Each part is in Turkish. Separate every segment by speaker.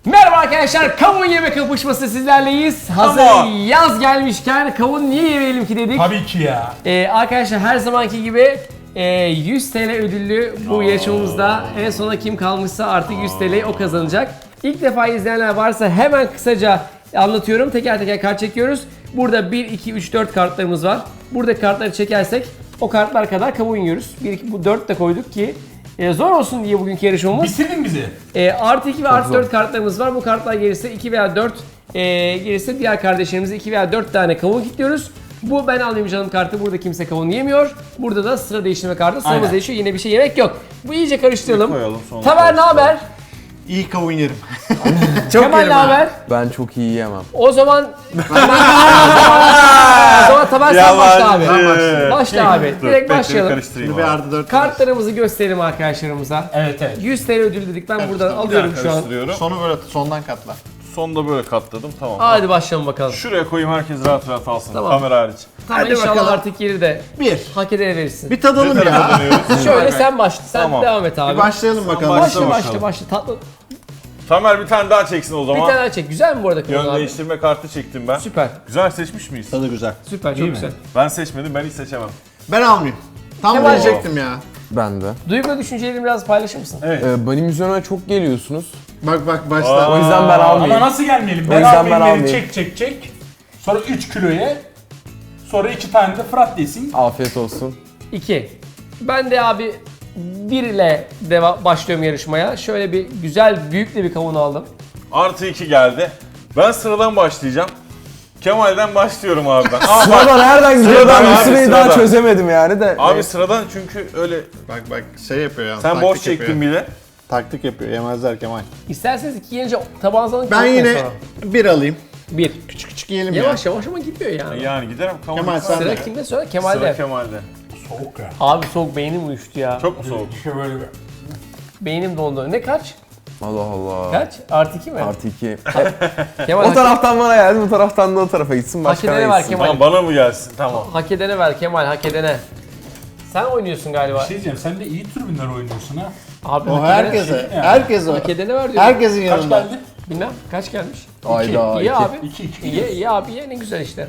Speaker 1: Merhaba arkadaşlar, kavun yeme kapışması sizlerleyiz. Hazır yaz gelmişken kavun niye yemeyelim ki dedik.
Speaker 2: Tabii ki ya.
Speaker 1: Arkadaşlar her zamanki gibi 100 TL ödüllü bu yarışmamızda en sona kim kalmışsa artık 100 TL'yi o kazanacak. İlk defa izleyenler varsa hemen kısaca anlatıyorum. Teker teker kart çekiyoruz. Burada 1, 2, 3, 4 kartlarımız var. Burada kartları çekersek o kartlar kadar kavun yiyoruz. 1, 2, bu 4 de koyduk ki zor olsun diye bugünkü yarışmamız.
Speaker 2: Bitirdin bizi.
Speaker 1: Artı 2 ve artı 4 kartlarımız var. Bu kartlar gelirse 2 veya 4 gelirse diğer kardeşlerimize 2 veya 4 tane kavun kilitliyoruz. Bu ben alayım canım kartı. Burada kimse kavun yemiyor. Burada da sıra değiştirme kartı. Sıramız
Speaker 2: Aynen.
Speaker 1: değişiyor. Yine bir şey yemek yok. Bu iyice karıştıralım.
Speaker 3: Koyalım, sonra
Speaker 1: Tamer ne haber?
Speaker 3: İyi kavun yerim.
Speaker 1: Kemal ne haber?
Speaker 4: Ben çok iyi yiyemem.
Speaker 1: O zaman Tamer sen başla abi. Başla abi. Direkt başlayalım.
Speaker 3: Karıştırayım bir artı 4.
Speaker 1: Kartlarımızı gösterelim arkadaşlarımıza.
Speaker 2: Evet.
Speaker 1: 100 TL ödül dedik. Ben buradan alıyorum şu an.
Speaker 3: Karıştırıyorum. Sonu böyle sondan katla.
Speaker 5: Sonda böyle katladım, tamam.
Speaker 1: Hadi başlayalım bakalım.
Speaker 5: Şuraya koyayım, herkes rahat rahat alsın.
Speaker 1: Tamam.
Speaker 5: Kamera hariç.
Speaker 1: Tamam
Speaker 3: Hadi
Speaker 1: inşallah
Speaker 3: bakalım.
Speaker 1: artık yeri de
Speaker 3: Bir.
Speaker 1: hak edene verirsin.
Speaker 3: Bir tadalım
Speaker 5: Ne tarafa
Speaker 3: ya.
Speaker 5: dönüyoruz?
Speaker 1: Şöyle sen başla. Sen
Speaker 5: Tamam.
Speaker 1: devam et abi.
Speaker 3: Bir başlayalım bakalım.
Speaker 1: başla
Speaker 5: bakalım.
Speaker 1: başla. Tatlı.
Speaker 5: Tamer bir tane daha çeksin o
Speaker 1: Bir
Speaker 5: zaman.
Speaker 1: tane daha çek. Güzel mi bu arada kavun
Speaker 5: Yön
Speaker 1: abi?
Speaker 5: değiştirme kartı çektim ben.
Speaker 1: Süper.
Speaker 5: Güzel seçmiş miyiz?
Speaker 3: Tadı güzel.
Speaker 1: Süper. Çok
Speaker 2: İyi mi?
Speaker 1: güzel.
Speaker 5: Ben seçmedim, ben hiç seçemem.
Speaker 3: Ben almayayım. Tam
Speaker 1: Kemal-
Speaker 3: diyecektim ya.
Speaker 4: Ben de.
Speaker 1: Duygu ve düşüncelerini biraz paylaşır mısın?
Speaker 2: Evet.
Speaker 4: Benim üzerime çok geliyorsunuz.
Speaker 3: Bak başla.
Speaker 4: O yüzden ben
Speaker 2: Ama
Speaker 4: almayayım.
Speaker 2: nasıl gelmeyelim?
Speaker 4: O
Speaker 2: Ben
Speaker 4: yüzden
Speaker 2: almayayım,
Speaker 4: ben
Speaker 2: beni
Speaker 4: almayayım.
Speaker 2: çek. Sonra 3 kiloya. Sonra 2 tane de Fırat desin.
Speaker 4: Afiyet olsun.
Speaker 1: 2. Ben de abi 1 ile başlıyorum yarışmaya. Şöyle bir güzel büyük de bir kavun aldım.
Speaker 5: Artı 2 geldi. Ben sıradan başlayacağım. Kemal'den başlıyorum abi ben.
Speaker 4: Sırada nereden gidiyor
Speaker 5: Sıradan
Speaker 4: ben
Speaker 5: abi,
Speaker 4: bu süreyi daha
Speaker 5: sıradan.
Speaker 4: çözemedim yani de.
Speaker 5: Abi sıradan çünkü öyle...
Speaker 3: Bak şey yapıyor ya.
Speaker 5: Sen boş çektin bile.
Speaker 3: Taktik yapıyor. Yemezler Kemal.
Speaker 1: İsterseniz 2 yenince tabağınıza alın.
Speaker 3: Ben yine bir alayım.
Speaker 1: 1.
Speaker 3: Küçük yiyelim ya.
Speaker 1: Yavaş yavaş ama gitmiyor yani.
Speaker 5: Yani giderim.
Speaker 3: Kemal sen
Speaker 1: Sıra
Speaker 3: de.
Speaker 1: kimde sonra?
Speaker 5: Sıra
Speaker 1: Kemal'de.
Speaker 5: Kemal'de.
Speaker 2: Soğuk ya.
Speaker 1: Abi soğuk beynim uyuştu ya.
Speaker 5: Çok mu soğuk?
Speaker 2: İşte böyle bir.
Speaker 1: Beynim dondu. Ne kaç?
Speaker 4: Allah Allah.
Speaker 1: Kaç? Artı 2 mi?
Speaker 4: Artı 2.
Speaker 1: Kemal
Speaker 4: O taraftan bana geldi, bu taraftan da o tarafa gitsin.
Speaker 1: Hak
Speaker 4: Başka
Speaker 1: edene
Speaker 4: ne
Speaker 1: var
Speaker 4: gitsin.
Speaker 1: Kemal.
Speaker 5: Tamam, bana mı gelsin? Tamam.
Speaker 1: Hak edene ver Kemal, hak edene. Sen oynuyorsun galiba.
Speaker 2: Bir şey diyeceğim, sen de iyi tribünler oynuyorsun ha.
Speaker 1: Abi
Speaker 3: O
Speaker 1: hak edene,
Speaker 3: herkese. Herkese o.
Speaker 1: hak edene ver diyorum.
Speaker 3: Herkesin
Speaker 2: Kaç
Speaker 3: yanında.
Speaker 2: geldi?
Speaker 1: Bilmem kaç gelmiş?
Speaker 4: Ayda
Speaker 1: İyi
Speaker 4: 2.
Speaker 1: abi.
Speaker 2: 2.
Speaker 1: İyi abi ye ne güzel işte.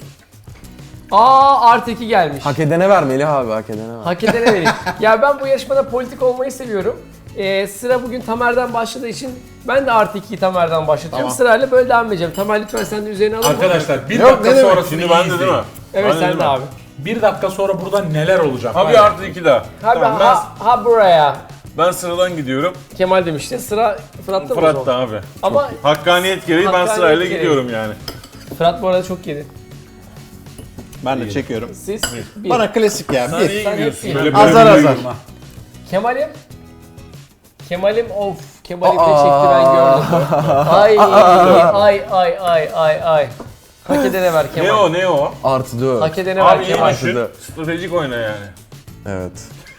Speaker 1: Artı 2 gelmiş.
Speaker 4: Hak edene ver Melih abi, hak edene ver.
Speaker 1: Hak edene verin. Ya ben bu yarışmada politik olmayı seviyorum. Sıra bugün Tamer'den başladığı için ben de artı 2'yi Tamer'den başlatıyorum.
Speaker 3: Tamam.
Speaker 1: Sırayla böyle devam edeceğim. Tamer lütfen sen de üzerine alın.
Speaker 2: Arkadaşlar 1
Speaker 3: Yok,
Speaker 2: dakika
Speaker 3: ne demek?
Speaker 2: sonrasını
Speaker 5: Şimdi
Speaker 2: iyi
Speaker 5: bende değil
Speaker 2: izleyin.
Speaker 5: mi?
Speaker 1: Evet
Speaker 5: Bende
Speaker 1: sen
Speaker 5: değil
Speaker 1: de
Speaker 5: mi?
Speaker 1: abi.
Speaker 2: 1 dakika sonra burada neler olacak?
Speaker 5: Abi
Speaker 2: var ya.
Speaker 5: artı 2 daha.
Speaker 1: Abi
Speaker 5: Tamam,
Speaker 1: ha buraya.
Speaker 5: ben sıradan gidiyorum.
Speaker 1: Kemal demişti. Sıra Fırat'ta mı o
Speaker 5: Fırat da
Speaker 1: zaman?
Speaker 5: abi.
Speaker 1: Ama
Speaker 5: Hakkaniyet gereği ben
Speaker 1: Hakkaniyet
Speaker 5: sırayla
Speaker 1: gereği.
Speaker 5: gidiyorum yani.
Speaker 1: Fırat bu arada çok yedi.
Speaker 3: Ben de çekiyorum.
Speaker 1: Siz bir.
Speaker 3: Bana klasik ya.
Speaker 5: Sen
Speaker 3: Bir.
Speaker 5: iyi
Speaker 1: Sen
Speaker 5: gidiyorsun.
Speaker 1: hep iyi.
Speaker 2: Böyle
Speaker 3: Azar
Speaker 2: bir
Speaker 3: azar.
Speaker 2: yürüme.
Speaker 1: Kemal'im of. Kemal'im de çekti ben gördüm. Ay. Hak edene ver Kemal.
Speaker 5: Ne o ne o?
Speaker 4: Artı 4.
Speaker 1: Hak edene
Speaker 5: Abi
Speaker 1: ver
Speaker 5: iyi
Speaker 1: Kemal.
Speaker 5: düşün. Stratejik oyna yani.
Speaker 4: Evet.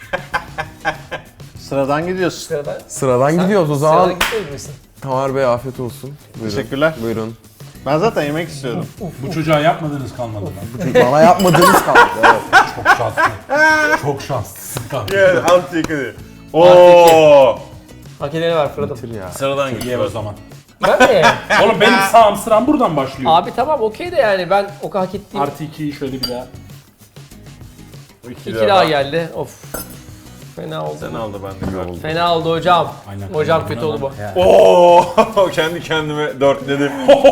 Speaker 3: Sıradan gidiyorsun.
Speaker 4: Sıradan gidiyoruz o zaman.
Speaker 1: Sıradan gitmeyecek misin?
Speaker 4: Tamer Bey afiyet olsun. Buyurun.
Speaker 3: Teşekkürler.
Speaker 4: Buyurun.
Speaker 3: Ben zaten yemek istiyordum.
Speaker 2: Bu çocuğa yapmadığınız kalmadı lan.
Speaker 4: Bana yapmadığınız kaldı. Evet.
Speaker 2: Çok şanslı. Çok şanslısın kanka.
Speaker 5: Evet, altı yıkıdı. Oo.
Speaker 1: Hak edene ver Fırat'ım.
Speaker 4: Bitir ya.
Speaker 5: Sıradan
Speaker 2: Ye
Speaker 5: gidiyor
Speaker 2: o zaman.
Speaker 1: Ben mi?
Speaker 2: Oğlum benim sağım sıram buradan başlıyor.
Speaker 1: Abi tamam okey de yani ben o kadar hak ettiğim.
Speaker 2: Artı 2'yi şöyle bir daha.
Speaker 1: İki daha geldi. Of. Fena oldu.
Speaker 5: Sen aldı ben de gördüm.
Speaker 1: Fena oldu hocam.
Speaker 2: Aynen.
Speaker 1: Hocam kötü oldu bu.
Speaker 5: Oo. Kendi kendime dörtledim.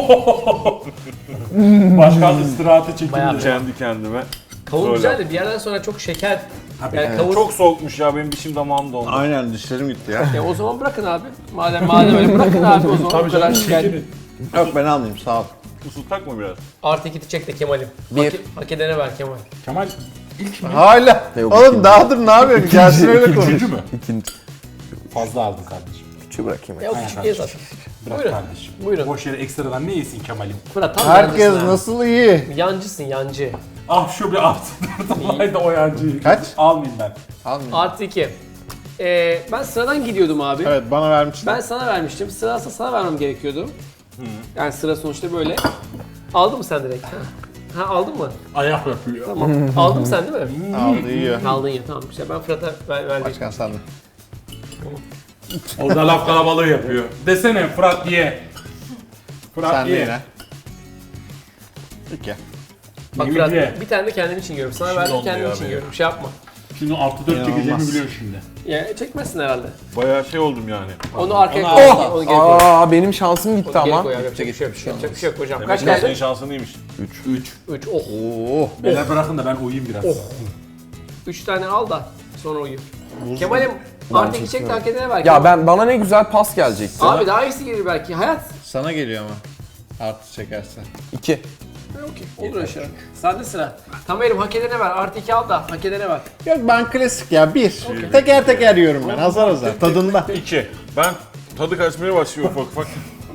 Speaker 2: Başkan istirahate
Speaker 1: Bayağı
Speaker 2: çekildi.
Speaker 5: Kendi kendime.
Speaker 1: Kavun
Speaker 5: Öyle.
Speaker 1: güzeldi. Bir yerden sonra çok şeker.
Speaker 2: Tabii.
Speaker 1: Yani kavun.
Speaker 5: Çok soğukmuş ya, benim dişim damağım dondu.
Speaker 3: Aynen dişlerim gitti ya.
Speaker 1: O zaman bırakın abi. Madem öyle bırakın abi o zaman.
Speaker 2: Tabii
Speaker 1: Bu kadar
Speaker 2: canım
Speaker 1: şeker.
Speaker 2: şekeri.
Speaker 3: Yok ben almayayım sağ ol.
Speaker 5: Isıttak mı biraz?
Speaker 1: Artı 2'ti çek de Kemal'im.
Speaker 4: Bir.
Speaker 1: Hak edene ver Kemal.
Speaker 2: Kemal ilk mi?
Speaker 3: Hala.
Speaker 4: Yok,
Speaker 3: Oğlum
Speaker 4: ikinci.
Speaker 3: daha dur ne yapıyorsun? Gelsin öyle konuş.
Speaker 2: Üçüncü mü?
Speaker 4: İkinci.
Speaker 2: Fazla aldın kardeşim.
Speaker 4: Küçüğü bırakayım.
Speaker 1: Ya o küçük ye zaten.
Speaker 2: Bırak
Speaker 1: Buyurun.
Speaker 2: kardeşim.
Speaker 1: Buyurun.
Speaker 2: Boş yere ekstradan ne yesin Kemal'im?
Speaker 1: Fırat tam
Speaker 3: Herkes
Speaker 1: yancısın ha.
Speaker 3: nasıl iyi?
Speaker 1: Yancısın yancı.
Speaker 2: Ah şu bir artı 4 olaydı o yancıyı.
Speaker 3: Kaç?
Speaker 2: Almayayım ben.
Speaker 3: Almayayım.
Speaker 1: Artı 2. Ben sıradan gidiyordum abi.
Speaker 3: Evet bana vermiştin.
Speaker 1: Ben sana vermiştim. Sırası sana vermem gerekiyordu. Yani sıra sonuçta böyle. Aldın mı sen direkt? Ha aldın mı?
Speaker 2: Ayak yapıyor.
Speaker 1: Tamam. Aldın mı sen değil mi?
Speaker 3: Aldı yiyor.
Speaker 1: Aldın ya tamam güzel. Ben Fırat'a verdim.
Speaker 3: Başkan sen de.
Speaker 2: O da laf kalabalığı yapıyor. Desene Fırat ye. Fırat
Speaker 3: Sen de
Speaker 2: ye.
Speaker 3: yine. 2.
Speaker 1: Bak
Speaker 2: Yemin
Speaker 1: Fırat,
Speaker 2: ye.
Speaker 1: bir tane de kendim için yiyorum. Sana verdim,
Speaker 5: oldu
Speaker 1: kendim
Speaker 5: ya
Speaker 1: için
Speaker 5: benim.
Speaker 1: yiyorum. Şey yapma.
Speaker 2: Şimdi 6-4 çekeceğimi
Speaker 3: İnanılmaz.
Speaker 2: biliyorum şimdi.
Speaker 1: Ya çekmezsin herhalde.
Speaker 5: Bayağı şey oldum yani.
Speaker 1: Onu arkaya
Speaker 2: Onu
Speaker 1: koy.
Speaker 2: al.
Speaker 1: Onu geri koy.
Speaker 4: Aa benim şansım gitti
Speaker 1: Onu geri
Speaker 4: ama.
Speaker 1: koy. Yapacak bir şey yok. Yapacak bir şey yok hocam.
Speaker 5: Demek
Speaker 1: Kaç
Speaker 5: ki senin
Speaker 1: geldi?
Speaker 5: şansın iyiymiş.
Speaker 2: 3.
Speaker 1: 3. Oh.
Speaker 3: Oo.
Speaker 2: Beyler bırakın da ben uyuyayım biraz.
Speaker 1: 3 tane al da sonra uyu. Kemal'im artık iki çek de hak edene ver.
Speaker 4: Ya bana ne güzel pas gelecekti.
Speaker 1: Abi daha iyisi gelir belki. Hayat.
Speaker 3: Sana geliyor ama. Artı çekersen.
Speaker 4: 2.
Speaker 1: Okey. Olur aşağı. Sende sıra. Tamer'im hak edene ver. Artı 2 al da hak edene ver.
Speaker 3: Yok ben klasik ya 1. Teker teker yiyorum ben azar azar tadında.
Speaker 5: 2. Ben tadı kaçmaya başlıyor ufak ufak.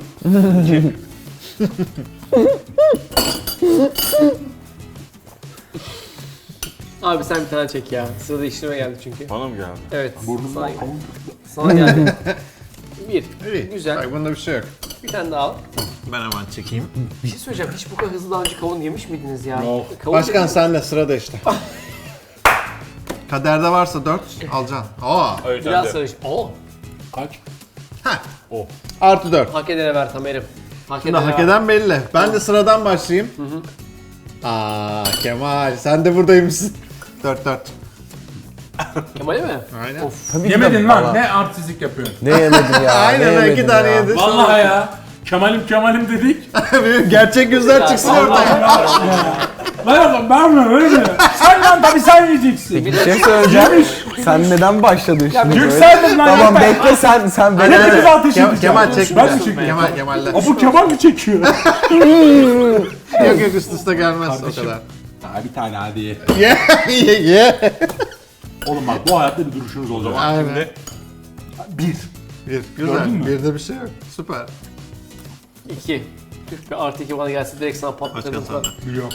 Speaker 1: Abi sen bir tane çek ya. Sırada işleme geldi çünkü.
Speaker 5: Bana mı geldi?
Speaker 1: Evet.
Speaker 2: Burnumdan
Speaker 1: Sana,
Speaker 2: kavun.
Speaker 1: sana geldi. Bir.
Speaker 3: İyi.
Speaker 1: Güzel.
Speaker 3: Bak bunda bir şey yok.
Speaker 1: Bir tane daha al.
Speaker 3: Ben hemen çekeyim.
Speaker 1: Bir şey söyleyeceğim. Hiç bu kadar hızlı daha önce kavun yemiş miydiniz ya?
Speaker 2: Yok.
Speaker 1: Kavun
Speaker 3: Başkan
Speaker 1: dediniz-
Speaker 3: sen de sırada işte. Kaderde varsa 4 alacaksın. Aa.
Speaker 5: Hayır
Speaker 1: Biraz
Speaker 5: sen de.
Speaker 1: sarış. Oo.
Speaker 2: Kaç?
Speaker 3: Artı 4.
Speaker 1: Hak edene ver Tamer'im. Hak
Speaker 3: Şimdi
Speaker 1: edene
Speaker 3: hak
Speaker 1: ver.
Speaker 3: eden belli. Ben de sıradan başlayayım. Aa Kemal sen de buradaymışsın. 4.
Speaker 1: Kemal'e mi?
Speaker 3: Aynen.
Speaker 4: Tabii ki de
Speaker 2: Yemedin
Speaker 4: bana.
Speaker 2: lan. Ne artistlik yapıyorsun?
Speaker 4: Ne yemedin ya?
Speaker 3: Aynen,
Speaker 4: ne
Speaker 3: ben
Speaker 4: yemedin
Speaker 3: iki tane
Speaker 4: ya?
Speaker 3: yedim.
Speaker 2: Vallahi ya. Kemal'im dedik.
Speaker 3: Gerçek yüzler çıksın ortaya.
Speaker 2: Lan oğlum ben mi öyle mi? Sen lan tabii sen yiyeceksin.
Speaker 4: Bir şey söyleyeceğim. Sen neden başladın şimdi böyle?
Speaker 2: Yükseldin lan
Speaker 4: Tamam
Speaker 2: yeter.
Speaker 4: bekle sen bekle.
Speaker 2: Hepimiz ateş edeceğiz.
Speaker 3: Kemal çek.
Speaker 2: Ben mi çekeyim?
Speaker 3: Kemal'ler.
Speaker 2: O bu Kemal mi çekiyor?
Speaker 3: Yok üst üste gelmez
Speaker 2: Kardeşim.
Speaker 3: o kadar.
Speaker 2: Daha bir tane hadi ye.
Speaker 3: Ye.
Speaker 2: Oğlum bak bu hayatta bir duruşunuz olacak.
Speaker 3: Aynen.
Speaker 5: Şimdi
Speaker 2: Bir.
Speaker 3: Bir. Güzel.
Speaker 2: Gördün mü?
Speaker 3: Bir de bir şey yok. Süper.
Speaker 1: 2. Tüh be artı 2 bana gelse direkt sana patlatırdım.
Speaker 3: Başkan sen de.
Speaker 2: Biliyorum.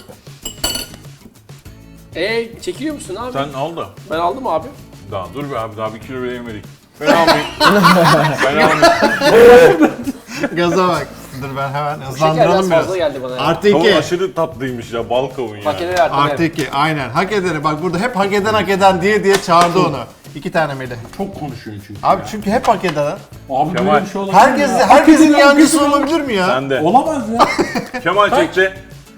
Speaker 1: Çekiliyor musun abi?
Speaker 5: sen al da.
Speaker 1: Ben aldım abi.
Speaker 5: Daha dur be abi daha 1 kilo bile yemedik. Ben almayayım. Ben almayayım.
Speaker 3: Gaza bak. Dur ben hemen
Speaker 1: Şeker biraz
Speaker 3: hızlandıralım biraz.
Speaker 1: fazla geldi bana ya.
Speaker 3: Artı
Speaker 5: Kavun
Speaker 3: 2.
Speaker 5: aşırı tatlıymış ya bal kavun ya.
Speaker 1: Hak edene ver
Speaker 3: Artı
Speaker 1: Tamer.
Speaker 3: 2. Aynen. Hak edene. Bak burada hep hak eden diye çağırdı onu. 2 tane Melih.
Speaker 2: Çok konuşuyorsun çünkü.
Speaker 3: Abi çünkü hep hak eden.
Speaker 2: Abi
Speaker 5: Kemal.
Speaker 2: böyle bir şey olabilir
Speaker 3: Herkes,
Speaker 2: mi ya?
Speaker 3: herkesin
Speaker 2: Herkesin
Speaker 3: yancısı olabilir mi ya?
Speaker 5: Sen de.
Speaker 2: Olamaz ya.
Speaker 5: Kemal çekti.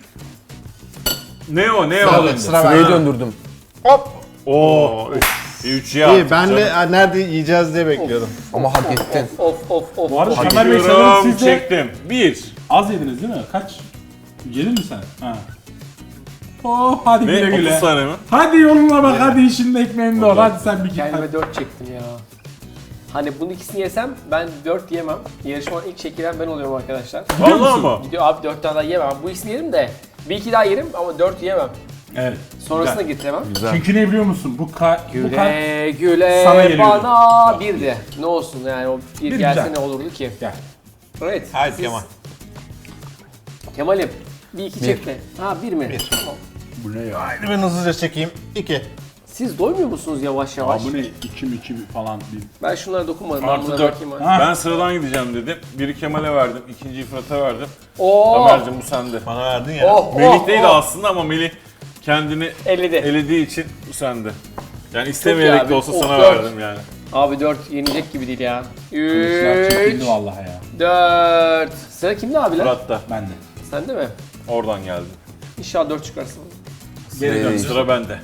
Speaker 5: Ne o? Ne
Speaker 3: Sıra
Speaker 5: o?
Speaker 3: bende, sıra
Speaker 4: Sırayı
Speaker 3: bende.
Speaker 4: döndürdüm.
Speaker 3: Hop.
Speaker 5: Oo. 3 ya.
Speaker 3: İyi ben de nerede yiyeceğiz diye bekliyordum.
Speaker 4: Ama hak ettin.
Speaker 1: Of.
Speaker 2: Bu arada Kemal Bey sanırım
Speaker 5: Çekiyorum.
Speaker 2: siz de
Speaker 5: Çektim. 1.
Speaker 2: az yediniz değil mi? Kaç? Yedin mi sen? Ha. Oh hadi
Speaker 5: Ne?
Speaker 2: güle
Speaker 5: 30
Speaker 2: güle.
Speaker 5: tane mi?
Speaker 2: Hadi yoluna bak hadi işinin ekmeğinde ol. Hadi sen bir git.
Speaker 1: Kendime 4 çektim ya. Hani bunun ikisini yesem ben 4 yemem. Yarışmanın ilk çekilen ben oluyorum arkadaşlar.
Speaker 5: Vallahi mı?
Speaker 1: Gidiyor abi 4 tane daha yemem. Bu ikisini yerim de bir iki daha yerim ama 4 yemem.
Speaker 2: Evet.
Speaker 1: Sonrasında
Speaker 2: Güzel.
Speaker 1: getiremem.
Speaker 4: Güzel.
Speaker 2: Çünkü ne biliyor musun? Bu kart
Speaker 1: Güle
Speaker 2: sana geliyordu.
Speaker 1: bana bir de. Ne olsun yani o bir
Speaker 2: Bir
Speaker 1: gelse
Speaker 2: güzel.
Speaker 1: ne olurdu ki?
Speaker 2: Gel.
Speaker 1: Evet.
Speaker 3: Haydi
Speaker 1: siz-
Speaker 3: Kemal.
Speaker 1: Kemal'im bir iki çekme. Ha bir mi? Tamam.
Speaker 2: Bu ne ya?
Speaker 3: Hadi ben hızlıca çekeyim. 2.
Speaker 1: Siz doymuyor musunuz yavaş yavaş?
Speaker 2: Aa, bu ne? 2 falan bir.
Speaker 1: Ben şunlara dokunmadım. Ben
Speaker 5: Artı
Speaker 1: bunlara
Speaker 5: 4.
Speaker 1: bakayım. abi.
Speaker 2: Ha.
Speaker 5: Ben sıradan gideceğim dedim. Biri Kemal'e verdim. İkinciyi Fırat'a verdim.
Speaker 1: Oo.
Speaker 5: Tamer'cim bu sende.
Speaker 3: Bana verdin ya.
Speaker 1: Oh,
Speaker 5: Melih değil aslında ama Melih kendini
Speaker 1: Elledi.
Speaker 5: elediği için bu sende. Yani
Speaker 1: iyi
Speaker 5: istemeyerek
Speaker 1: abi.
Speaker 5: de olsa
Speaker 1: Oh,
Speaker 5: sana
Speaker 1: 4.
Speaker 5: verdim yani.
Speaker 1: Abi 4 yenilecek gibi değil ya.
Speaker 2: Kılıçlar çekildi
Speaker 1: 3
Speaker 2: vallahi ya.
Speaker 1: 4 Sıra kimde abiler?
Speaker 5: Fırat'ta.
Speaker 2: Ben de.
Speaker 1: Sende mi?
Speaker 5: Oradan geldi.
Speaker 1: İnşallah 4 çıkarsın.
Speaker 2: Geri dön.
Speaker 5: Sıra bende.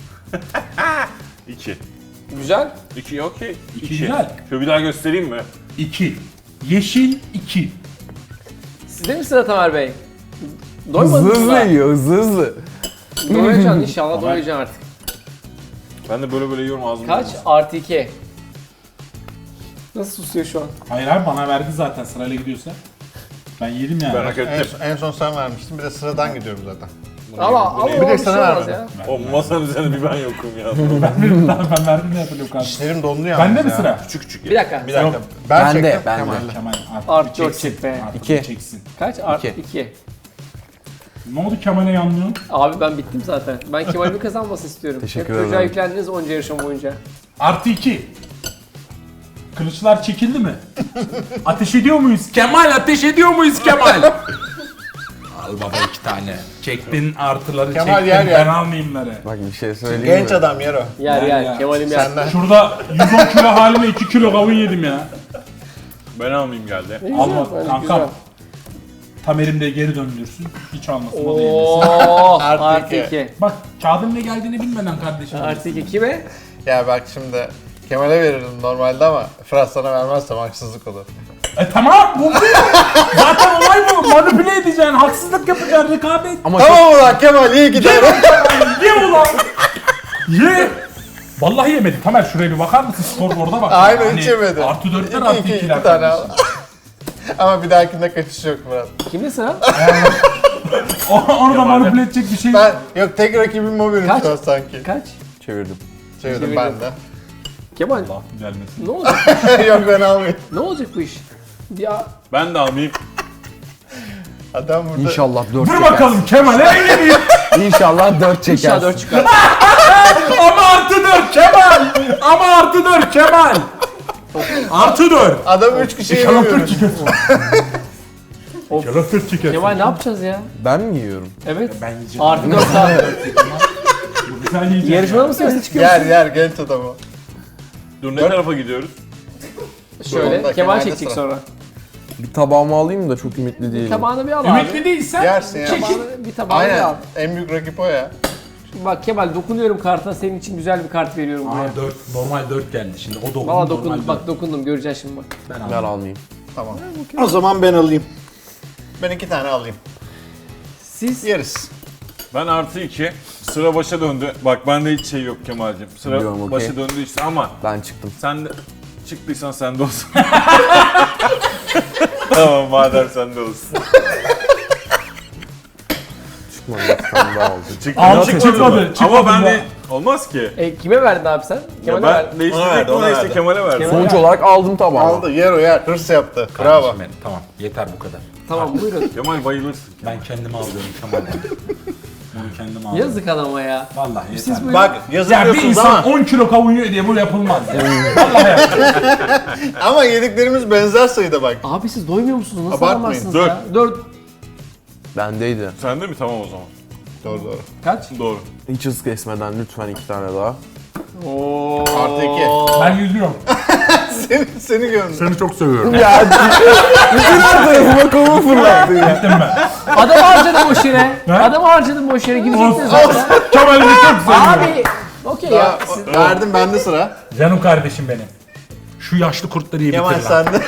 Speaker 5: 2.
Speaker 1: Güzel.
Speaker 5: 2 okey.
Speaker 2: İki güzel.
Speaker 5: Şöyle bir daha göstereyim mi?
Speaker 2: 2. Yeşil 2.
Speaker 1: Sizde mi sıra Tamer Bey?
Speaker 4: Hızlı
Speaker 1: Doymadınız
Speaker 4: hızlı
Speaker 1: mı?
Speaker 4: yiyor hızlı hızlı.
Speaker 1: Doyacaksın inşallah
Speaker 2: Tamer.
Speaker 1: doyacaksın artık.
Speaker 5: Ben de böyle yiyorum ağzımda.
Speaker 1: Kaç? Artı 2. Nasıl susuyor şu an?
Speaker 2: Hayır abi bana verdi zaten sırayla gidiyorsa. Ben yedim yani.
Speaker 5: Ben hak ettim.
Speaker 3: En son sen vermiştin. Bir de sıradan gidiyorum zaten.
Speaker 1: Ama
Speaker 3: Bir de sana vermedim.
Speaker 1: ya.
Speaker 5: O masanın üzerinde bir ben yokum ya.
Speaker 2: Ben verdim ne yapıyorum kardeşim.
Speaker 3: Dişlerim dondu yalnız
Speaker 2: Bende mi
Speaker 3: ya.
Speaker 2: sıra?
Speaker 5: Küçük küçük
Speaker 1: Bir dakika.
Speaker 3: Bir dakika.
Speaker 2: Yok.
Speaker 3: Ben
Speaker 4: Ben de,
Speaker 3: çektim.
Speaker 4: ben de.
Speaker 3: Kemal'le.
Speaker 2: Kemal artık
Speaker 1: Artı
Speaker 2: bir
Speaker 1: 4
Speaker 2: çeksin.
Speaker 1: çek be.
Speaker 2: Artık
Speaker 4: İki.
Speaker 2: bir çeksin.
Speaker 1: Kaç? Artı
Speaker 4: İki.
Speaker 1: 2.
Speaker 2: Ne oldu Kemal'e yanlıyorsun?
Speaker 1: Abi ben bittim zaten. Ben Kemal'in kazanmasını istiyorum.
Speaker 4: Teşekkür
Speaker 1: Hep çocuğa
Speaker 4: ederim.
Speaker 1: yüklendiniz onca yarışma boyunca.
Speaker 2: Artı 2. Kılıçlar çekildi mi? Ateş ediyor muyuz? Kemal ateş ediyor muyuz Kemal? Al baba 2 tane. Çektin artıları
Speaker 3: Kemal
Speaker 2: çektin,
Speaker 3: yer
Speaker 2: ben
Speaker 3: yer.
Speaker 2: almayayımları.
Speaker 4: Bak bir şey söyleyeyim
Speaker 3: Genç
Speaker 4: mi?
Speaker 3: adam yer o.
Speaker 1: Yer
Speaker 2: Ya.
Speaker 1: yer. Kemal'im yer.
Speaker 3: Senden.
Speaker 2: Şurada 110 kilo halime 2 kilo kavun yedim ya.
Speaker 5: Ben almayayım geldi.
Speaker 2: Alma
Speaker 1: bence
Speaker 2: kankam.
Speaker 1: güzel.
Speaker 2: Tamer'im de geri döndürsün. Hiç almasın o da yemesin.
Speaker 1: Oo,
Speaker 3: Artı
Speaker 1: artı
Speaker 3: iki.
Speaker 1: 2.
Speaker 2: Bak kağıdın ne geldiğini bilmeden kardeşim.
Speaker 1: Artı 2 kime?
Speaker 3: Ya bak şimdi Kemal'e verirdim normalde ama Fırat sana vermezsem haksızlık olur.
Speaker 2: Tamam bu. Zaten olay bu. Manipüle edeceksin, haksızlık yapacaksın, rekabet.
Speaker 4: Ama
Speaker 3: Tamam ulan Kemal iyi gider.
Speaker 2: Ye ulan. Ye. Vallahi yemedi. Tamer şuraya bir bakar mısın? Skorboard'a bak.
Speaker 3: Aynen hiç yemedi.
Speaker 2: Artı 4'ler
Speaker 3: İki,
Speaker 2: artı
Speaker 3: iki
Speaker 2: 2'ler.
Speaker 3: tane al. Ama bir dahakinde kaçış yok Fırat.
Speaker 1: Kimde sıra?
Speaker 2: Onu da manipüle edecek bir şey.
Speaker 3: Ben yok tek rakibim o benim
Speaker 1: Kaç?
Speaker 3: şu an sanki.
Speaker 1: Kaç?
Speaker 4: çevirdim.
Speaker 3: Çevirdim ben de.
Speaker 1: Kemal
Speaker 2: Allah gelmesin.
Speaker 1: ne olacak?
Speaker 3: Yok ben almayayım.
Speaker 1: Ne olacak bu iş? Ya
Speaker 5: Ben de almayayım.
Speaker 3: Adam burada.
Speaker 4: İnşallah 4
Speaker 2: Dur
Speaker 4: çeker.
Speaker 2: bakalım Kemal'e yenileyim.
Speaker 4: İnşallah 4 çeker.
Speaker 1: inşallah 4 çıkar.
Speaker 2: Ama artı 4 Kemal. Ama artı 4 Kemal. Artı 4.
Speaker 3: Adam 3 kişiyi
Speaker 2: İnşallah 4
Speaker 3: yemiyoruz.
Speaker 2: çıkar. İnşallah 4 çıkar.
Speaker 1: Kemal ne yapacağız ya?
Speaker 4: Ben mi yiyorum?
Speaker 1: Evet.
Speaker 2: Ben yiyeceğim.
Speaker 1: Artı 4 daha.
Speaker 2: Sen yiyeceksin.
Speaker 1: Yarışmada mısın yoksa çıkıyor musun?
Speaker 3: Yer genç adamı.
Speaker 5: Dur ne tarafa gidiyoruz?
Speaker 1: Şöyle
Speaker 3: Yolda,
Speaker 1: Kemal
Speaker 3: Kemal'de
Speaker 1: çekecek
Speaker 3: sıra.
Speaker 1: sonra.
Speaker 4: Bir tabağımı alayım da çok ümitli değilim.
Speaker 1: Tabağını bir al abi.
Speaker 2: Ümitli değilsen
Speaker 3: Yersin ya.
Speaker 2: çekil.
Speaker 1: Tabağını, bir tabağını bir
Speaker 3: Aynen.
Speaker 1: al.
Speaker 3: En büyük rakip o ya.
Speaker 1: Şimdi bak Kemal dokunuyorum kartına senin için güzel bir kart veriyorum buraya.
Speaker 2: Aa 4 normal 4 geldi şimdi. O dokundu.
Speaker 1: Valla
Speaker 2: normal
Speaker 1: dokundum
Speaker 2: dört.
Speaker 1: bak dokundum göreceksin şimdi bak.
Speaker 2: Ben
Speaker 4: Ben
Speaker 2: aldım.
Speaker 4: almayayım.
Speaker 3: Tamam. O zaman ben alayım. Ben 2 tane alayım.
Speaker 1: Siz
Speaker 3: Yeriz.
Speaker 5: Ben artı 2. Sıra başa döndü. Bak bende hiç şey yok Kemal'cim. Sıra
Speaker 4: Biliyorum, okey.
Speaker 5: başa döndü işte ama
Speaker 4: Ben çıktım.
Speaker 5: sen de çıktıysan sen de olsun. Tamam madem sen de olsun.
Speaker 4: Çıkmadı. Bir tane daha oldu.
Speaker 5: Çıktı,
Speaker 2: Al,
Speaker 5: çıkmadı
Speaker 2: çıkmadı,
Speaker 5: mı?
Speaker 2: çıkmadı
Speaker 5: Ama ben
Speaker 2: mı?
Speaker 5: de olmaz ki.
Speaker 1: kime verdin abi sen?
Speaker 5: Ya
Speaker 1: Kemal'e
Speaker 5: ben
Speaker 1: verdin.
Speaker 3: Ona
Speaker 5: değiştirecek
Speaker 3: verdi, ona
Speaker 5: ona işte
Speaker 3: verdi.
Speaker 5: Kemal'e verdim.
Speaker 4: Sonuç olarak aldım tabağımı.
Speaker 3: Aldı yer o yer. Hırs yaptı. Bravo.
Speaker 2: Kardeşim benim, tamam yeter bu kadar.
Speaker 1: Tamam buyurun.
Speaker 5: Kemal bayılırsın.
Speaker 2: Ben kendime alıyorum Kemal'den. Bunu kendime alıyorum.
Speaker 1: Yazık adama ya.
Speaker 2: Vallahi yeter.
Speaker 1: Siz buyurun.
Speaker 3: Bak
Speaker 2: Ya bir
Speaker 3: yazılıyorsunuz
Speaker 2: insan
Speaker 3: ama.
Speaker 2: 10 kilo kavun yiyor diye bu yapılmaz ya. Vallahi yapılmaz.
Speaker 3: Ama yediklerimiz benzer sayıda bak.
Speaker 1: Abi siz doymuyor musunuz? Nasıl
Speaker 3: Abartmayın.
Speaker 1: alamazsınız
Speaker 5: 4.
Speaker 1: ya? 4.
Speaker 4: Bendeydi.
Speaker 5: Sende mi? Tamam o zaman.
Speaker 3: Doğru doğru.
Speaker 1: Kaç?
Speaker 5: Doğru.
Speaker 4: Hiç hız kesmeden lütfen 2 tane daha.
Speaker 1: Oo.
Speaker 3: Artı 2.
Speaker 2: Ben yüzüyorum.
Speaker 3: Seni gördüm.
Speaker 2: Seni çok seviyorum.
Speaker 4: Ya bütün her tarafıma kolumu fırlattın ya.
Speaker 2: Gittim ben.
Speaker 1: Adam harcadım boş yere. Adam harcadım boş yere. Gidecektin zaten.
Speaker 2: Kemal'imi çok seviyorum.
Speaker 1: Abi. Okey ya. Siz-
Speaker 3: Verdim bende sıra.
Speaker 2: Canım kardeşim benim. Şu yaşlı kurtları iyi
Speaker 3: Kemal
Speaker 2: bitir lan.
Speaker 3: sende.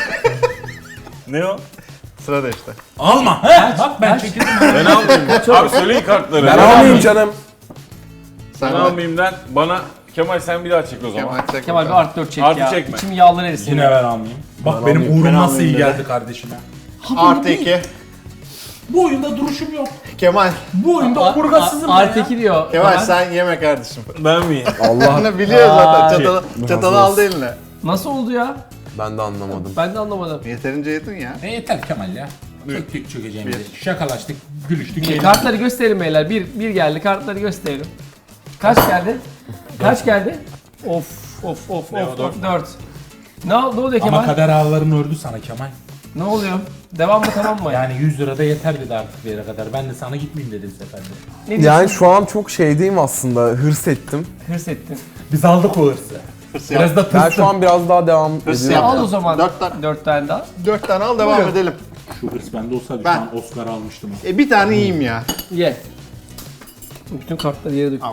Speaker 5: Ne o?
Speaker 3: Sıra da işte.
Speaker 2: Alma. He? Bak ben çekildim.
Speaker 5: Ben almayayım. Abi söyleyin kartları.
Speaker 4: Ben almayayım canım.
Speaker 5: Ben
Speaker 3: Sen
Speaker 5: almayayım Bana Kemal sen bir daha çek o zaman.
Speaker 3: Kemal çek.
Speaker 1: Kemal bir
Speaker 3: bakalım.
Speaker 1: artı 4 çek
Speaker 5: Artı
Speaker 1: ya.
Speaker 5: çekme.
Speaker 1: İçim yağlar erisin.
Speaker 2: Yine ben almayayım. Bak benim
Speaker 4: almayayım.
Speaker 2: uğrum
Speaker 3: Ben
Speaker 2: nasıl iyi
Speaker 3: almayayım
Speaker 2: geldi kardeşime.
Speaker 3: Artı 2.
Speaker 2: Bu oyunda duruşum yok.
Speaker 3: Kemal.
Speaker 2: Bu oyunda omurgasızım ben
Speaker 1: Artı
Speaker 2: ya.
Speaker 1: 2 diyor.
Speaker 3: Kemal
Speaker 1: Kemal.
Speaker 3: sen yeme kardeşim.
Speaker 5: Ben miyim?
Speaker 4: Allah.
Speaker 3: Bunu biliyor zaten.
Speaker 1: Ay.
Speaker 3: Çatalı aldı eline.
Speaker 1: Nasıl oldu ya?
Speaker 4: Ben de anlamadım.
Speaker 1: Ben de anlamadım.
Speaker 3: Yeterince yedin ya.
Speaker 2: Yeter Kemal ya. Çöktük çökeceğimizi. Şakalaştık, gülüştük. eğlendik.
Speaker 1: Kartları gösterelim beyler. Bir geldi. Kartları gösterelim. Kaç geldi? Kaç geldi? Of of of
Speaker 2: Ne o,
Speaker 1: of
Speaker 2: dört
Speaker 1: of 4. Ne oluyor Kemal?
Speaker 2: Ama kader ağlarını ördü sana Kemal.
Speaker 1: Ne oluyor? Devam mı tamam mı?
Speaker 2: Yani 100 lira da yeter dedi artık bir yere kadar. Ben de sana gitmeyeyim dedim seferde.
Speaker 1: Ne diyorsun?
Speaker 4: Yani şu an çok şeydeyim aslında. Hırs ettim.
Speaker 1: Hırs ettin.
Speaker 2: Biz aldık o hırsı. Biraz da
Speaker 4: Ben
Speaker 2: tırstım.
Speaker 4: şu an biraz daha devam
Speaker 3: Hırs
Speaker 4: ediyorum.
Speaker 3: yap.
Speaker 1: Al o zaman
Speaker 3: 4
Speaker 1: 4 tane daha.
Speaker 3: 4 tane al devam
Speaker 1: Buyurun.
Speaker 3: edelim.
Speaker 2: Şu hırs bende olsaydı
Speaker 3: Ben-
Speaker 2: şu an Oscar almıştım.
Speaker 3: Bir tane yiyeyim ya.
Speaker 1: Ye. Bütün kartları yere dök.
Speaker 3: Allah.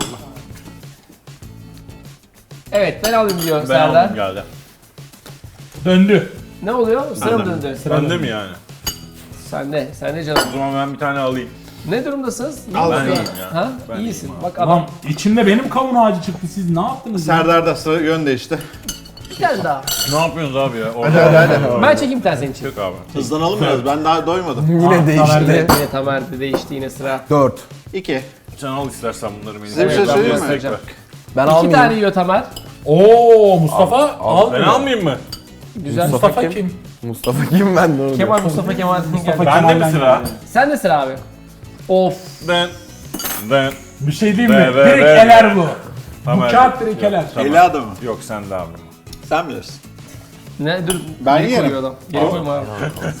Speaker 1: Evet ben alayım diyor
Speaker 5: Ben
Speaker 1: Serdar.
Speaker 5: aldım geldi.
Speaker 2: Döndü.
Speaker 1: Ne oluyor? Sıra mı döndü?
Speaker 5: Bende mi yani?
Speaker 1: Sende. Sende canım.
Speaker 5: O zaman ben bir tane alayım.
Speaker 1: Ne durumdasınız? İyi
Speaker 3: Al
Speaker 1: misin?
Speaker 3: ben
Speaker 5: iyiyim ya.
Speaker 1: Ha?
Speaker 5: Ben
Speaker 1: İyisin.
Speaker 5: iyiyim
Speaker 1: Bak
Speaker 2: Adam
Speaker 1: adam
Speaker 2: içinde benim kavun ağacı çıktı. Siz ne yaptınız ya?
Speaker 3: Serdar'da sıra yön değişti.
Speaker 1: bir tane daha.
Speaker 5: Ne yapıyorsunuz abi ya?
Speaker 3: Hadi.
Speaker 1: Ben çekeyim bir tane senin için.
Speaker 5: Yok abi.
Speaker 3: Hızlanalım biraz. Ben daha doymadım.
Speaker 4: Yine değişti.
Speaker 1: Yine Tamer'de değişti yine sıra.
Speaker 4: 4.
Speaker 3: 2.
Speaker 5: Sen al istersen bunları benim.
Speaker 3: Size bir şey
Speaker 1: Evet, ben
Speaker 3: söyleyeyim mi?
Speaker 1: göstereceğim.
Speaker 4: Ben
Speaker 1: 2
Speaker 4: almayayım.
Speaker 1: tane yiyor Tamer.
Speaker 2: Oo Mustafa al.
Speaker 5: Ben almayayım mı?
Speaker 1: Güzel.
Speaker 2: Mustafa kim?
Speaker 4: Mustafa kim ben de onu
Speaker 1: Kemal Mustafa Kemal.
Speaker 2: Mustafa
Speaker 1: geldi.
Speaker 5: Bende mi sıra?
Speaker 1: Sen de sıra abi. Of.
Speaker 5: Ben.
Speaker 2: Bir şey diyeyim mi?
Speaker 5: Ver, ver,
Speaker 2: Direkt
Speaker 5: ver.
Speaker 2: eler bu.
Speaker 5: Tamam.
Speaker 2: Bu kağıt direkt eler.
Speaker 5: Tamam.
Speaker 3: Eli adamı.
Speaker 5: Yok sen de abi.
Speaker 3: Sen bilirsin.
Speaker 1: Ne dur.
Speaker 3: Ben
Speaker 1: geri
Speaker 3: yerim.
Speaker 1: koyuyor adam. Geri koyma abi.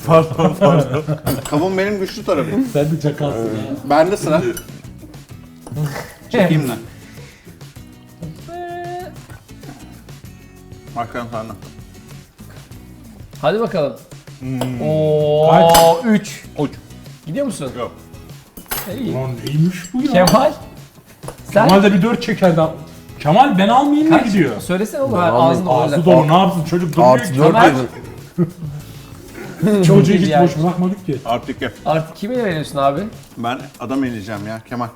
Speaker 3: Kavun benim güçlü tarafım.
Speaker 2: Sen de çakalsın ya.
Speaker 3: Bende sıra. Çekeyim lan. Makarna sende.
Speaker 1: Hadi bakalım.
Speaker 2: Kaç?
Speaker 1: Oo 3.
Speaker 5: Uç.
Speaker 1: Gidiyor musun?
Speaker 5: Yok.
Speaker 1: İyi.
Speaker 2: Lan neymiş bu ya?
Speaker 1: Kemal. Sen
Speaker 2: Kemal de bir 4 çekerdi. Kemal ben almayayım mı gidiyor?
Speaker 1: söylesene oğlum. Ağzını
Speaker 2: Ağzı dolu ne yapsın çocuk durmuyor
Speaker 4: Artı
Speaker 2: ki.
Speaker 4: 4
Speaker 1: Kemal.
Speaker 4: dedin.
Speaker 2: Çocuğu hiç
Speaker 1: Yani.
Speaker 2: boş bırakmadık ki.
Speaker 3: Artık iki.
Speaker 1: Artık kime veriyorsun abi?
Speaker 3: Ben adam eleyeceğim ya Kemal.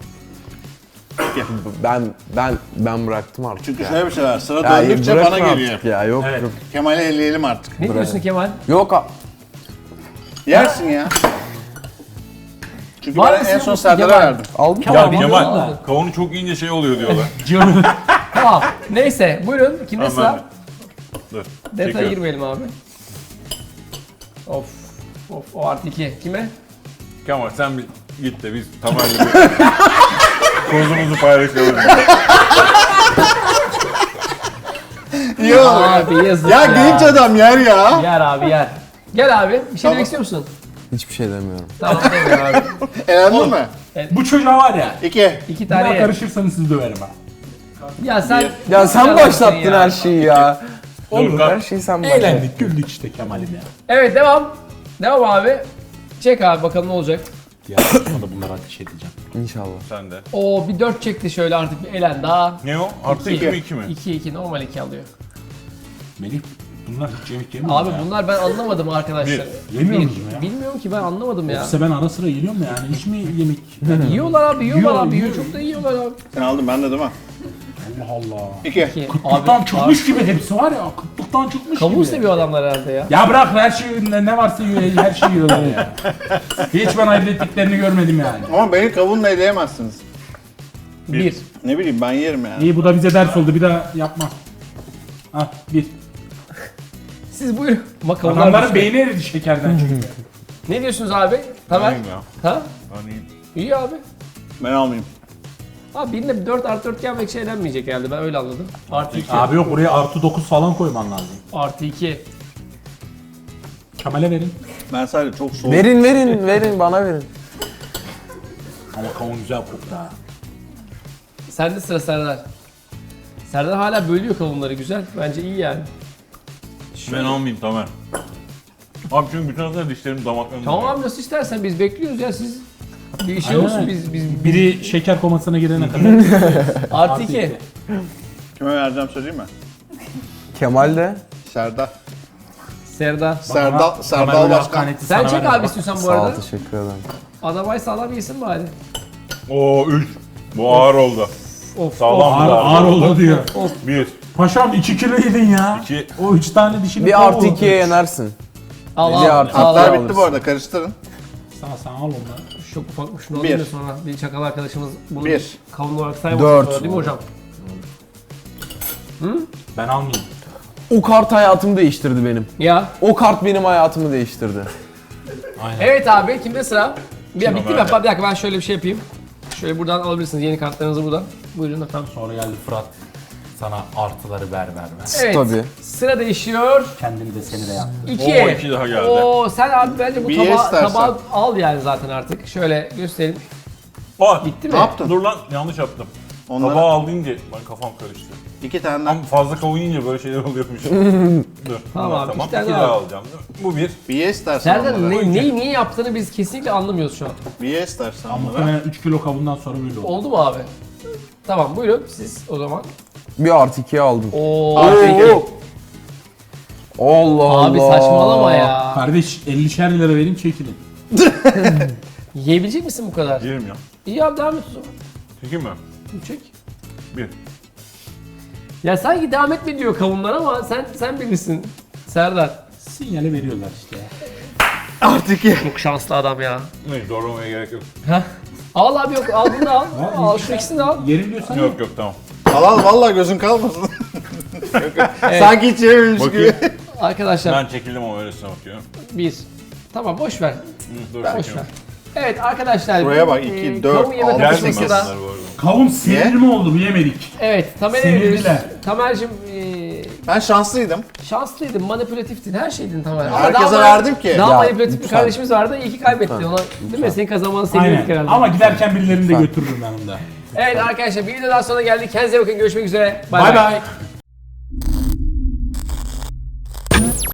Speaker 4: Ben bıraktım artık.
Speaker 3: Çünkü
Speaker 4: ya.
Speaker 3: şöyle bir şey var. Sıra
Speaker 4: Ya
Speaker 3: döndükçe
Speaker 4: bırakma
Speaker 3: bana geliyor.
Speaker 4: artık ya. Yok
Speaker 2: Evet.
Speaker 4: yok.
Speaker 3: Kemal'i eleyelim artık.
Speaker 1: Ne diyorsun Kemal?
Speaker 4: Yok
Speaker 3: Yersin ya. Çünkü
Speaker 1: Var
Speaker 3: ben
Speaker 1: mısın
Speaker 3: en son
Speaker 1: yoksa
Speaker 3: Serdar'a
Speaker 1: Kemal?
Speaker 3: verdim.
Speaker 4: aldım.
Speaker 1: Kemal,
Speaker 5: Ya
Speaker 1: bana
Speaker 5: Kemal,
Speaker 1: oldu.
Speaker 5: kavunu çok yiyince şey oluyor diyorlar.
Speaker 1: Tamam. Neyse buyurun. Kimde
Speaker 5: Tamam,
Speaker 1: sıra?
Speaker 5: Dur.
Speaker 1: Detaya
Speaker 5: Çekiyorum.
Speaker 1: girmeyelim abi. Of. Of o artı 2. Kime?
Speaker 5: Kemal sen bir git de biz Tamer'le bir kozumuzu paylaşalım.
Speaker 3: İyi olur.
Speaker 1: Abi yazık
Speaker 3: Ya genç adam yer ya.
Speaker 1: Yer abi yer. Gel abi. Bir şey
Speaker 3: Tamam.
Speaker 1: demek istiyor musun?
Speaker 4: Hiçbir şey demiyorum.
Speaker 1: Tamam demiyor abi.
Speaker 3: Elendin mi?
Speaker 2: Bu çocuğa var ya.
Speaker 3: 2.
Speaker 1: 2
Speaker 2: Bir daha
Speaker 1: tane ye.
Speaker 2: karışırsanız sizi döverim ha.
Speaker 1: Ya sen...
Speaker 4: Ya sen
Speaker 1: Yalan
Speaker 4: başlattın
Speaker 1: ya.
Speaker 4: her şeyi ya.
Speaker 2: Olur
Speaker 4: Her şeyi sen başlattın.
Speaker 2: Eğlendik güldük işte Kemal'im ya.
Speaker 1: Evet devam. Devam abi. Çek abi bakalım ne olacak.
Speaker 2: Ya sonra bunları ateş edeceğim.
Speaker 4: İnşallah.
Speaker 5: Sen de.
Speaker 1: Oo bir 4 çekti şöyle artık bir elen daha.
Speaker 5: Ne o? Artı 2 mi 2 mi?
Speaker 1: 2 normal 2 alıyor.
Speaker 2: Melih bunlar hiç yemek yemiyor
Speaker 1: Abi
Speaker 2: ya.
Speaker 1: bunlar ben anlamadım arkadaşlar.
Speaker 2: Yemiyor
Speaker 1: Bir.
Speaker 2: musun ya?
Speaker 1: Bilmiyorum ki ben anlamadım ya.
Speaker 2: Yoksa ben ara sıra yiyorum ya yani hiç mi yemek?
Speaker 1: Yiyorlar abi yiyorlar
Speaker 2: Yiyor,
Speaker 1: abi yiyor.
Speaker 2: yiyor.
Speaker 1: Çok da yiyorlar abi.
Speaker 3: Sen aldın ben de değil mi?
Speaker 2: Allah Allah.
Speaker 3: 2.
Speaker 1: Ki,
Speaker 2: Kıtlıktan çıkmış gibi hepsi var ya. Kıtlıktan çıkmış
Speaker 1: Kavun
Speaker 2: gibi.
Speaker 1: seviyor adamlar herhalde ya.
Speaker 2: Ya bırak her şey ne varsa yiyor, her şeyi yiyorlar ya. Hiç ben ayırt ettiklerini görmedim yani.
Speaker 3: Ama beni kavunla eleyemezsiniz.
Speaker 1: 1.
Speaker 3: Ne bileyim ben yerim yani.
Speaker 2: İyi bu da bize ders oldu bir daha yapma. Ah bir.
Speaker 1: Siz buyurun. Bakalım.
Speaker 2: Adamların beyni eridi şekerden çünkü.
Speaker 1: Ne diyorsunuz abi? Tamer?
Speaker 5: Alayım ya.
Speaker 1: Ha?
Speaker 5: Alayım.
Speaker 1: İyi abi.
Speaker 3: Ben almayayım.
Speaker 1: Abi birinde 4 artı 4 gelmek şey elenmeyecek herhalde ben öyle anladım. Artı 2.
Speaker 2: Abi yok oraya artı 9 falan koyman lazım.
Speaker 1: Artı 2.
Speaker 2: Kemal'e verin.
Speaker 3: Ben sadece çok soğuk.
Speaker 4: Verin bana verin.
Speaker 2: Ama kavun güzel koktu ha.
Speaker 1: Sende sıra Serdar. Serdar hala bölüyor kavunları güzel. Bence iyi yani.
Speaker 5: Ben almayayım Tamer. Abi çünkü bütün aslında dişlerim damaklarım.
Speaker 1: Tamam abi nasıl istersen biz bekliyoruz ya siz. Bir şey
Speaker 2: Aynen.
Speaker 1: olsun biz
Speaker 2: Biri şeker komasına girene kadar.
Speaker 1: artı 2.
Speaker 3: Kime vereceğim söyleyeyim mi?
Speaker 4: Kemal de.
Speaker 3: Serdar.
Speaker 1: Serdar.
Speaker 3: Serdar Başkan.
Speaker 1: Sen çek abi istiyorsan bu
Speaker 4: Sağ ol
Speaker 1: arada.
Speaker 4: teşekkür ederim.
Speaker 1: Adamay sağlam yesin bari.
Speaker 5: Oo 3. Bu ağır oldu.
Speaker 1: Of.
Speaker 5: Sağlam
Speaker 2: Ağır,
Speaker 5: bir
Speaker 2: ağır oldu diyor.
Speaker 5: 1.
Speaker 2: Paşam 2 kilo yedin ya.
Speaker 5: 2.
Speaker 2: O 3 tane dişini
Speaker 4: Bir artı 2'ye yenersin.
Speaker 1: Al
Speaker 4: Bir
Speaker 1: al.
Speaker 4: artı
Speaker 1: Al
Speaker 3: Kartlar
Speaker 1: al.
Speaker 4: alırız.
Speaker 3: bitti bu arada karıştırın.
Speaker 2: Sana al onları.
Speaker 1: Çok ufakmış şunu
Speaker 3: Bir.
Speaker 1: alayım da sonra bir çakal arkadaşımız bunu
Speaker 3: Bir.
Speaker 1: kavun olarak saymasın
Speaker 4: 4.
Speaker 1: sonra, değil mi hocam?
Speaker 2: Ben almayayım.
Speaker 4: O kart hayatımı değiştirdi benim.
Speaker 1: Ya.
Speaker 4: O kart benim hayatımı değiştirdi.
Speaker 2: Aynen.
Speaker 1: Evet abi kimde sıra? Ya bitti mi?
Speaker 5: Ömer'de.
Speaker 1: Bir dakika ben şöyle bir şey yapayım. Şöyle buradan alabilirsiniz yeni kartlarınızı buradan. Buyurun efendim.
Speaker 2: Sonra geldi Fırat. Sana artıları ver vermez.
Speaker 1: Evet.
Speaker 4: Tabii.
Speaker 1: Sıra değişiyor.
Speaker 2: Kendini de seni de yaptı.
Speaker 1: 2.
Speaker 5: Oo, iki daha geldi.
Speaker 1: Oo sen abi bence bu
Speaker 3: Bir ye istersen.
Speaker 1: tabağı al yani zaten artık. Şöyle göstereyim.
Speaker 5: Aa,
Speaker 1: Bitti mi?
Speaker 3: Ne yaptın?
Speaker 5: dur lan yanlış yaptım.
Speaker 3: Onlara
Speaker 5: Tabağı al deyince ben kafam karıştı.
Speaker 3: 2 tane
Speaker 5: Ama fazla kavun yiyince böyle şeyler oluyormuş. Dur.
Speaker 1: Tamam
Speaker 5: bunlar
Speaker 1: abi,
Speaker 5: tamam.
Speaker 1: iki tane
Speaker 5: 2
Speaker 1: daha
Speaker 5: daha
Speaker 1: al.
Speaker 5: alacağım. Değil mi? Bu 1.
Speaker 3: bir ye istersen
Speaker 1: Serdar
Speaker 3: onlara.
Speaker 1: neyi niye yaptığını biz kesinlikle anlamıyoruz şu an.
Speaker 3: Bir ye istersen onlara.
Speaker 2: Muhtemelen 3 kilo kavundan sonra böyle oldu.
Speaker 1: Oldu mu abi? Tamam buyurun siz o zaman.
Speaker 4: Bir artı 2'ye aldım.
Speaker 1: Oo.
Speaker 4: Allah Allah.
Speaker 1: Abi saçmalama ya.
Speaker 2: Kardeş 50'şer lira vereyim çekilin.
Speaker 1: Yiyebilecek misin bu kadar?
Speaker 5: Yerim ya.
Speaker 1: İyi abi devam et o zaman.
Speaker 5: Çekeyim mi?
Speaker 1: Çek.
Speaker 5: 1.
Speaker 1: Ya sanki devam etme diyor kavunlar ama sen bilirsin Serdar.
Speaker 2: Sinyali veriyorlar işte.
Speaker 3: Artı 2.
Speaker 1: Çok şanslı adam ya.
Speaker 5: Neyse zorlamaya gerek yok.
Speaker 1: Heh. Al abi yok al bunu da al. Al şu ikisini de al.
Speaker 2: Yerim diyorsan
Speaker 5: Yok yok tamam.
Speaker 3: Al vallahi gözün kalmasın. Sanki hiç yememiş
Speaker 5: Bakayım.
Speaker 3: gibi.
Speaker 1: Arkadaşlar
Speaker 5: Ben çekildim ama öylesine bakıyorum.
Speaker 1: 1. Tamam boş ver.
Speaker 5: Hı, dur
Speaker 1: Boş ver.
Speaker 5: çekiyorum.
Speaker 1: Evet arkadaşlar.
Speaker 3: Buraya bak, 2, 4,
Speaker 1: kavun yeme
Speaker 3: 6,
Speaker 5: Geldi mi
Speaker 1: takışması
Speaker 3: 8.
Speaker 1: da.
Speaker 5: bunlar bu arada?
Speaker 2: kavun sinir mi oldu bu yemedik.
Speaker 1: Evet Tamer'e
Speaker 2: Sinirliler.
Speaker 1: veriyoruz. Tamer'cim
Speaker 3: Ben şanslıydım.
Speaker 1: Şanslıydın, manipülatiftin, her şeydin tamamen.
Speaker 3: Herkese verdim ki.
Speaker 1: Daha
Speaker 4: Ya,
Speaker 1: manipülatif bir
Speaker 4: lütfen.
Speaker 1: kardeşimiz vardı, iyi ki kaybetti. Ona, değil mi? Senin kazanmanı sevindik
Speaker 2: Aynen.
Speaker 1: herhalde.
Speaker 2: Ama giderken birilerini de götürürüm yanımda.
Speaker 1: Evet arkadaşlar, bir videodan sonra geldik. Kendinize bakın, görüşmek üzere.
Speaker 2: Bay bay.